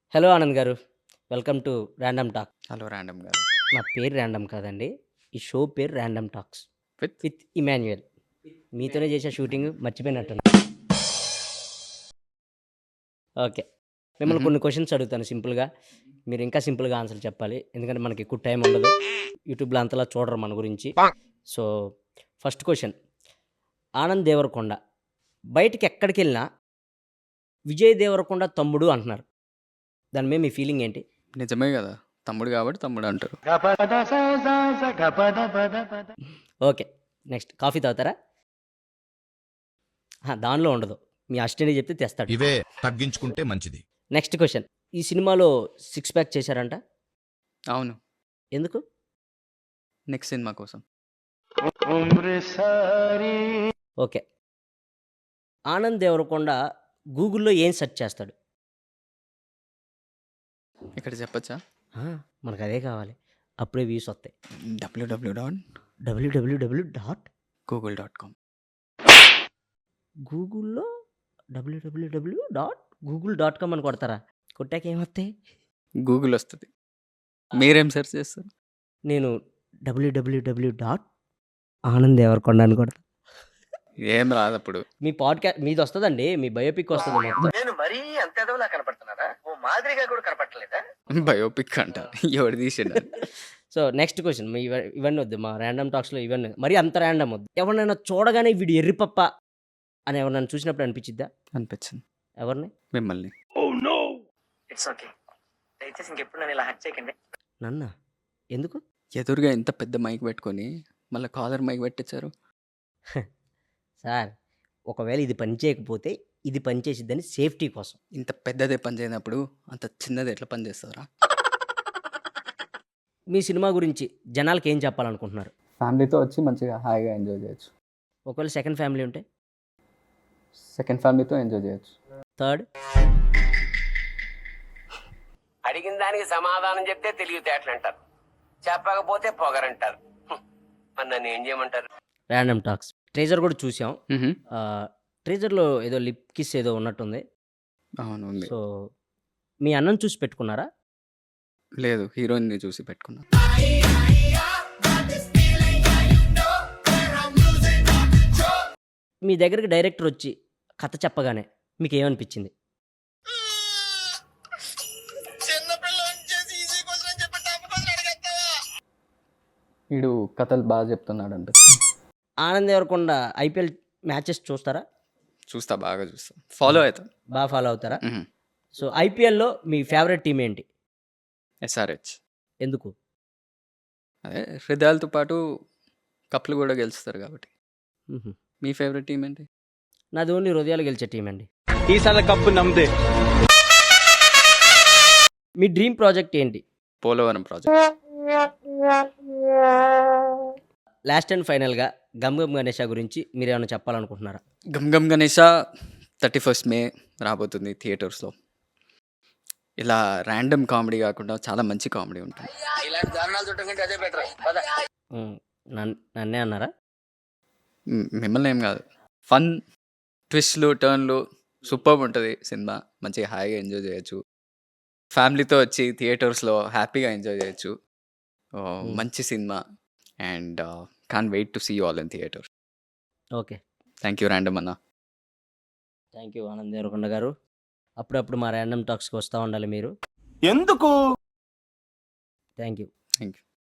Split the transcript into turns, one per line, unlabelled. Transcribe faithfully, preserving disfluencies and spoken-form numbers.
Hello Anand గారు. Welcome to random talk.
Hello random గారు.
నా పేరు ర్యాండమ్ కాదండి. ఈ షో పేరు random talks
with
with Emmanuel. మీతోనే చేసే షూటింగ్ మర్చిపోయినట్టున్నా. ఓకే. మిమ్మల్ని
మ్హూ.
కొన్ని క్వశ్చన్స్ అడుగుతాను సింపుల్గా. మీరు ఇంకా సింపుల్గా ఆన్సర్ చెప్పాలి. ఎందుకంటే మనకి ఎక్కువ టైం ఉండదు. యూట్యూబ్లో అంతలా చూడరు మన గురించి. So first question, Anand Devarakonda బయటికి ఎక్కడికి వెళ్ళినా విజయ్ దేవరకొండ తమ్ముడు అంటున్నారు. దాని మీద మీ ఫీలింగ్ ఏంటి?
నిజమే కదా, తమ్ముడు కాబట్టి తమ్ముడు అంటారు.
ఓకే. నెక్స్ట్, కాఫీ తాగుతారా? ఆ, దానిలో ఉండదు. మీ అసిస్టెంట్ చెప్తే తెస్తాడు.
ఇవే తగ్గించుకుంటే మంచిది.
నెక్స్ట్ క్వశ్చన్, ఈ సినిమాలో సిక్స్ ప్యాక్ చేశారంట,
అవును,
ఎందుకు?
నెక్స్ట్ సినిమా కోసం.
ఓకే. ఆనంద్ దేవరకొండ గూగుల్లో ఏం సెర్చ్ చేస్తాడు?
ఇక్కడ చెప్పచ్చా?
ఆ, మనకు అదే కావాలి, అప్పుడే వ్యూస్ వస్తాయి.
W W dot
W W W dot
Google dot com.
గూగుల్లో W W W dot Google dot com అని కొడతారా? కొట్టాక ఏమొస్తాయి?
గూగుల్ వస్తుంది. మీరేం సెర్చ్ చేస్తారు?
నేను డబ్ల్యూడబ్ల్యూడబ్ల్యూ డాట్ ఆనంద్ దేవరకొండ అని కొడతా.
ఏం రాదు అప్పుడు.
మీ పాడ్కాస్ట్ మీది వస్తుందండి, మీ బయోపిక్ వస్తుంది మొత్తం.
నేను మరీ అంత ఎదవలా కనపడుతున్నారా? ఓ మాదిరిగా కూడా కనపడలేదా?
బయోపిక్ అంట, ఎవరు తీసిండు?
సో నెక్స్ట్ క్వశ్చన్, మీ ఇవ- ఇవన్నీ వద్దు, మా ర్యాండమ్ టాక్స్లో ఇవన్నీ మరి అంత ర్యాండమ్ వద్దు. ఎవరినైనా చూడగానే వీడు ఎర్రిపప్ప అని ఎవరినైనా చూసినప్పుడు అనిపించిద్దా?
అనిపించింది
ఎవరిని?
మిమ్మల్ని.
ఇట్స్ ఓకే, దయచేసి ఇంకెప్పుడు నన్ను ఇలా హట్ చేయకండి.
నన్న ఎందుకు?
ఎదురుగా ఇంత పెద్ద మైక్ పెట్టుకొని మళ్ళీ కాలర్ మైక్ పెట్టించారు.
సార్, ఒకవేళ ఇది పని చేయకపోతే ఇది పని చేసిద్దని సేఫ్టీ కోసం.
ఇంత పెద్దదే పని చేయనప్పుడు అంత చిన్నది ఎట్లా పని చేస్తారా?
మీ సినిమా గురించి జనాలకి ఏం చెప్పాలనుకుంటున్నారు?
ఫ్యామిలీతో వచ్చి మంచిగా హాయిగా ఎంజాయ్ చేయొచ్చు.
ఒకవేళ సెకండ్ ఫ్యామిలీ ఉంటే?
సెకండ్ ఫ్యామిలీతో ఎంజాయ్ చేయొచ్చు.
థర్డ్?
అడిగిన దానికి సమాధానం చెప్తే తెలివితేటలు అంటారు, చెప్పకపోతే పొగరంటారు. హ్మ్. మరి నన్ను ఏం చేయమంటారు?
ర్యాండమ్ టాక్స్ ట్రేజర్ కూడా చూసాం.
మ్హూ.
ట్రేజర్లో ఏదో లిప్ కిస్ ఏదో ఉన్నట్టుంది.
అవును, ఉంది.
సో మీ అన్నం చూసి పెట్టుకున్నారా?
లేదు, హీరోయిన్ని చూసి పెట్టుకున్నా.
మీ దగ్గరికి డైరెక్టర్ వచ్చి కథ చెప్పగానే మీకు ఏమనిపించింది?
వీడు కథలు బాగా చెప్తున్నాడు అంటే
ఆనంద్ దేవరకొండ ఐపీఎల్ మ్యాచెస్ చూస్తారా?
చూస్తా, బాగా చూస్తా, ఫాలో అవుతా.
బాగా ఫాలో అవుతారా? సో ఐపీఎల్లో మీ ఫేవరెట్ టీం ఏంటి?
ఎస్ఆర్హెచ్.
ఎందుకు?
అదే హృదయాలతో పాటు కప్లు కూడా గెలుస్తారు కాబట్టి.
మ్హూ.
మీ ఫేవరెట్ టీం ఏంటి?
నాది ఓన్లీ హృదయాలు గెలిచే టీం అండి.
ఈసారి కప్పు నమ్మదే.
మీ డ్రీమ్ ప్రాజెక్ట్ ఏంటి?
పోలవరం ప్రాజెక్ట్.
లాస్ట్ అండ్ ఫైనల్గా గమ్ గమ్ గణేష గురించి మీరు ఏమైనా చెప్పాలనుకుంటున్నారా?
Gam Gam Ganesha thirty first May రాబోతుంది థియేటర్స్లో. ఇలా ర్యాండమ్ కామెడీ కాకుండా చాలా మంచి కామెడీ ఉంటుంది.
ఇలాంటి దారుణాలు చుట్టం అదే బెటర్.
మ్, నన్- నన్నే అన్నారా?
మ్, మిమ్మల్ని ఏం కాదు, ఫన్ ట్విస్ట్లు టర్న్లు సూపర్ ఉంటుంది సినిమా. మంచిగా హాయిగా ఎంజాయ్ చేయొచ్చు. ఫ్యామిలీతో వచ్చి థియేటర్స్లో హ్యాపీగా ఎంజాయ్ చేయొచ్చు. ఓ, మంచి cinema. And can't wait to see you all in theatre.
Okay.
Thank you random అన్న.
థ్యాంక్ యూ ఆనంద్ దేవరకొండ గారు. అప్పుడప్పుడు మా ర్యాండమ్ టాక్స్కి వస్తూ ఉండాలి మీరు.
ఎందుకు?
Thank you.
Thank you.